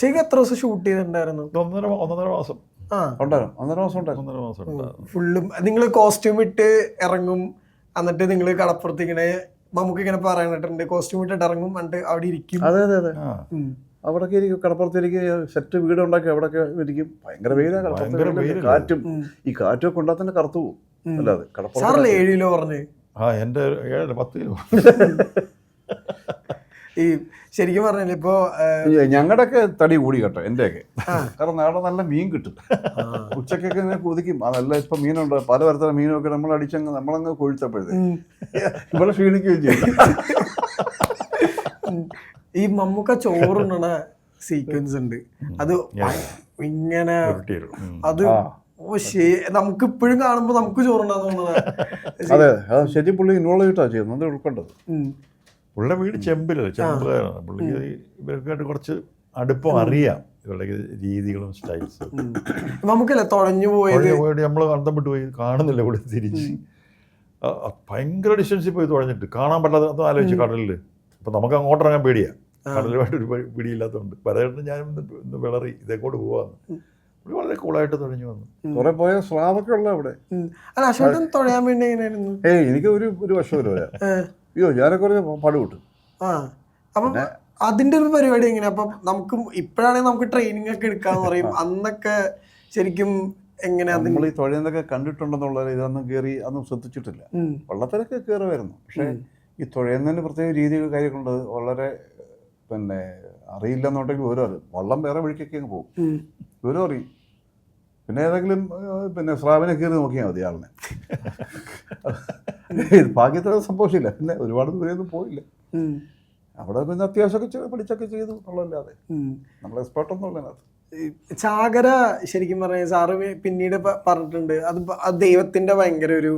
ഒറ്റയ്ക്ക് എത്ര ദിവസം ഷൂട്ട് ചെയ്തിട്ടുണ്ടായിരുന്നു? ഒന്നര മാസം ഫുള്ളും നിങ്ങൾ കോസ്റ്റ്യൂം ഇട്ട് ഇറങ്ങും, എന്നിട്ട് നിങ്ങൾ കടപ്പുറത്ത് ഇങ്ങനെ നമുക്ക് ഇങ്ങനെ പറയാനിട്ടുണ്ട് കോസ്റ്റ്യൂം ഇട്ടിട്ട് ഇറങ്ങും, എന്നിട്ട് അവിടെ ഇരിക്കും. അതെ അവിടൊക്കെ ഇരിക്കും, കടപ്പുറത്തിരിക്കും, സെറ്റ് വീടുണ്ടാക്കി അവിടൊക്കെ ഇരിക്കും. ഭയങ്കര വെയിലാണ്, കാറ്റും ഈ കാറ്റൊക്കെ ഉണ്ടാ തന്നെ കറുത്തു പോകും. അല്ലാതെ സാറല്ലേ 7 കിലോ പറഞ്ഞ്? എൻ്റെ 10 കിലോ. ഈ ശരിക്കും പറഞ്ഞാൽ ഇപ്പോ ഞങ്ങളുടെയൊക്കെ തടി കൂടി കേട്ടോ, എന്റെയൊക്കെ. കാരണം നാളെ നല്ല മീൻ കിട്ടും, ഉച്ചക്കൊക്കെ ഇങ്ങനെ കൊതിക്കും. അതല്ല ഇപ്പൊ മീനുണ്ട്, പലതരത്തിലുള്ള മീനൊക്കെ നമ്മൾ അടിച്ചങ്ങ് നമ്മളങ്ങ് കൊഴുത്തപ്പോഴേ ഇവിടെ ക്ഷീണിക്കുകയും ചെയ്യും. ഈ മമ്മൂക്ക ചോറുണ്ണണ സീക്വൻസ് ഉണ്ട്, അത് ഇങ്ങനെ അത് നമുക്ക് ഇപ്പോഴും കാണുമ്പോ നമുക്ക് ചോറുണ്ടാന്ന് തോന്നുന്നത്. അതെ, അത് ശരി. പുള്ളി ഇൻവോൾവ് ചെയ്തിട്ടാ ചെയ്യുന്നത്, അത് ഉൾക്കൊണ്ടത്. പുള്ളിയുടെ വീട് ചെമ്പിലല്ലേ, ചെമ്പുകാരാണ്. പുള്ളിക്ക് ഇവർക്കായിട്ട് കുറച്ച് അടുപ്പം അറിയാം, ഇവരുടെ രീതികളും സ്റ്റൈൽസും. നമുക്കല്ലേ തുഴഞ്ഞു പോയത് നമ്മൾ അന്തം വിട്ട് പോയി, കാണുന്നില്ല ഇവിടെ തിരിച്ച്. ഭയങ്കര ഡിസ്റ്റൻസിൽ പോയി തുഴഞ്ഞിട്ട് കാണാൻ പറ്റാതെ ഒന്ന് ആലോചിച്ച് കടലിൽ. അപ്പം നമുക്ക് അങ്ങോട്ട് ഇറങ്ങാൻ പേടിയാണ്, കടലുമായിട്ടൊരു പിടിയില്ലാത്തതുകൊണ്ട്. പലതരത്തിൽ ഞാനും ഇന്ന് വിളറി ഇതേക്കോട്ട് പോവാന്ന്. പുള്ളി വളരെ കൂളായിട്ട് തുഴഞ്ഞു വന്നു. കുറെ പോയ സ്ലാബൊക്കെ ഉള്ള അവിടെ. അല്ല അശോകൻ തുഴയാൻ വേണ്ടി എങ്ങനെയായിരുന്നു? എനിക്ക് ഒരു വർഷം വരെ അയ്യോ ഞാനൊക്കെ പാടുവിട്ടു. അപ്പം അതിന്റെ ഒരു പരിപാടി എങ്ങനെയാ? അപ്പം നമുക്ക് ഇപ്പോഴാണെങ്കിൽ നമുക്ക് ട്രെയിനിങ് ഒക്കെ എടുക്കാന്ന് പറയും, അന്നൊക്കെ ശരിക്കും എങ്ങനെയാ? നമ്മൾ ഈ തുഴയുന്നതൊക്കെ കണ്ടിട്ടുണ്ടെന്നുള്ള ഇതൊന്നും കയറി അതൊന്നും ശ്രദ്ധിച്ചിട്ടില്ല. വള്ളത്തിലൊക്കെ കയറുമായിരുന്നു, പക്ഷേ ഈ തുഴയുന്നതിന് പ്രത്യേക രീതികൾ കാര്യങ്ങളുണ്ട്. വളരെ പിന്നെ അറിയില്ലെന്നുണ്ടെങ്കിൽ ഓരോ വള്ളം വേറെ വഴിക്കൊക്കെ അങ്ങ് പോകും, ഓരോ അറിയും. പിന്നെ ഏതെങ്കിലും പിന്നെ സ്രാവിനെ കയറി നോക്കിയാൽ മതി ആളിനെ. ഭാഗ്യത്തിന് സംഭവിച്ചില്ല, പിന്നെ ഒരുപാട് ദൂരെയൊന്നും പോയില്ല. അവിടെ പിന്നെ അത്യാവശ്യമൊക്കെ പഠിച്ചൊക്കെ ചെയ്തു എന്നുള്ളതല്ലാതെ നമ്മൾ എക്സ്പേർട്ടൊന്നും ഉള്ള അതിനകത്ത്. ചാകര ശരിക്കും പറഞ്ഞ സാറ് പിന്നീട് പറഞ്ഞിട്ടുണ്ട്, അത് ദൈവത്തിന്റെ ഭയങ്കര ഒരു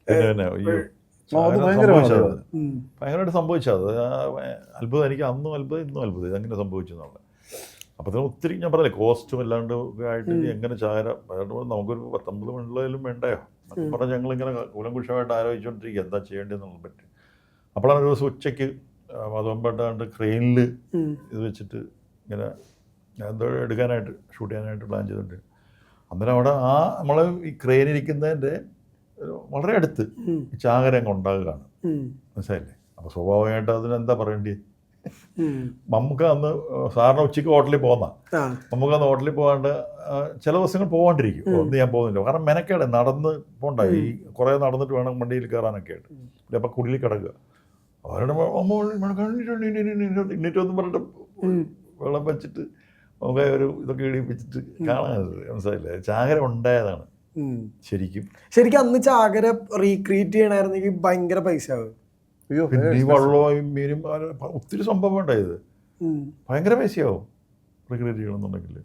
ഭയങ്കരമായിട്ട് സംഭവിച്ചത്. അത്ഭുതം, എനിക്ക് അന്നും അത്ഭുതം ഇന്നും അത്ഭുതം ഇതെങ്ങനെ സംഭവിച്ചു എന്നുള്ളത്. അപ്പോൾ തന്നെ ഒത്തിരി ഞാൻ പറഞ്ഞില്ലേ, കോസ്റ്റും അല്ലാണ്ട് ആയിട്ട് എങ്ങനെ ചാകര നമുക്കൊരു 19 മണിലും വേണ്ടയോ എന്നൊക്കെ പറഞ്ഞ് ഞങ്ങളിങ്ങനെ കൂലംകുഷമായിട്ട് ആലോചിച്ചുകൊണ്ടിരിക്കുക എന്താ ചെയ്യേണ്ടതെന്നുള്ളത് പറ്റി. അപ്പോഴാണ് ഒരു ദിവസം ഉച്ചയ്ക്ക് അതുകൊണ്ടാണ്ട് ക്രെയിനിൽ ഇത് വെച്ചിട്ട് ഇങ്ങനെ എന്തോ എടുക്കാനായിട്ട് ഷൂട്ട് ചെയ്യാനായിട്ട് പ്ലാൻ ചെയ്തിട്ടുണ്ട്. അന്നേരം അവിടെ നമ്മൾ ഈ ക്രെയിനിരിക്കുന്നതിൻ്റെ വളരെ അടുത്ത് ഈ ചാകര അങ്ങ് ഉണ്ടാകുകയാണ്, മനസ്സിലായില്ലേ? അപ്പോൾ സ്വാഭാവികമായിട്ട് അതിനെന്താ പറയേണ്ടി? നമുക്ക് അന്ന് സാറിന് ഉച്ചയ്ക്ക് ഹോട്ടലിൽ പോകുന്ന നമുക്ക് അന്ന് ഹോട്ടലിൽ പോകാണ്ട് ചില ദിവസങ്ങൾ പോകാണ്ടിരിക്കും. ഒന്ന് ഞാൻ പോകുന്നില്ല, കാരണം മെനക്കേട് നടന്ന് പോകണ്ട, ഈ കുറേ നടന്നിട്ട് വേണം വണ്ടിയിൽ കയറാനൊക്കെ ആയിട്ട്. അപ്പം കുടിലിൽ കിടക്കുക, അവരുടെ ഇന്നിട്ടൊന്നും പറഞ്ഞിട്ട് വെള്ളം വെച്ചിട്ട് നമുക്ക് ഒരു ഇതൊക്കെ ഇടിപ്പിച്ചിട്ട് കാണാനത്, മനസ്സിലായില്ലേ? ചാകര ഉണ്ടായതാണ് ശരിക്കും. അന്ന് ചാകര റീക്രിയേറ്റ് ചെയ്യണമായിരുന്നെങ്കിൽ ഭയങ്കര പൈസ ആവും. ഈ വള്ളവും മീനും ഒത്തിരി സംഭവം ഉണ്ടായത്, ഭയങ്കര പൈസയാവും റീക്രിയേറ്റ് ചെയ്യണമെന്നുണ്ടെങ്കിൽ.